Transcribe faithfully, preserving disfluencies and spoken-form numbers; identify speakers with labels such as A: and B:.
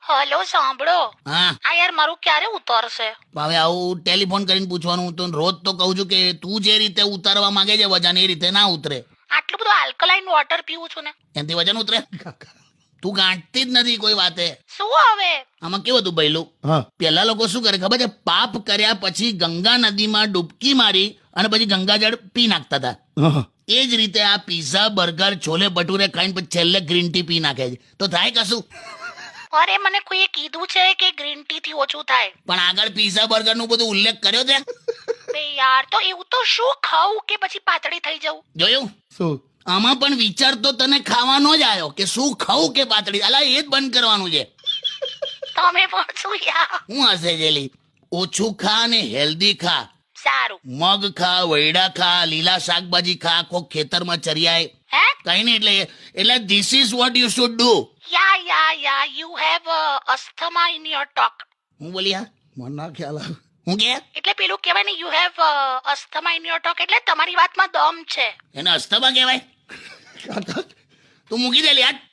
A: Hello સાંભળો.
B: હા
A: આ યાર મારું ક્યારે ઉતરશે?
B: હવે આવું ટેલિફોન કરીને પૂછવાનું, હું તો રોજ તો કહું છું કે તું જે રીતે ઉતારવા માંગે છે વજન એ રીતે ના ઉતરે.
A: આટલું બધું આલ્કલાઇન વોટર પીવું છું ને.
B: એનાથી વજન ઉતરે? તું ગાંઠતી જ નથી કોઈ વાતે.
A: શું હવે?
B: આમાં કેવું હતું ભઈલું, પેલા લોકો શું કરે ખબર છે? પાપ કર્યા પછી ગંગા નદીમાં ડૂબકી મારી અને પછી ગંગાજળ પી નાખતા હતા. એ જ રીતે આ પીઝા, બર્ગર, છોલે ભટુરે ખાઈને પછી છેલ્લે ગ્રીન ટી પી નાખે છે. તો થાય કશું?
A: અરે મને કોઈએ કીધું છે કે ગ્રીન ટી થી ઓછું થાય.
B: પણ આગળ પીઝા બર્ગર નું બધું ઉલ્લેખ કર્યો છે.
A: બે યાર, તો એવું તો શું ખાવું કે પછી પાતળી થઈ જવું?
B: જોયું? શું આમાં પણ વિચાર તો તને ખાવાનો જ આવ્યો કે શું ખાવું કે પાતળી. અલા એ જ બંધ કરવાનું છે.
A: તમે પણ શું યાર?
B: હું હશે જેલી? ઓછું ખા ને હેલ્ધી ખા.
A: સારું.
B: મગ ખા, વૈડા ખા, લીલા શાકભાજી ખા, કોક ખેતરમાં ચરિયાય.
A: હે?
B: કઈ નહીં, એટલે એટલે this is what you should do.
A: Yeah yeah yeah you have asthma in your talk.
B: હું બોલી હા? મને ના ખ્યાલ આવે. હું કે
A: એટલે પેલું કહેવાય ને you have asthma in your talk, એટલે તમારી વાતમાં દમ છે.
B: એને અસ્થમા કહેવાય? તું મૂકી દે યાર.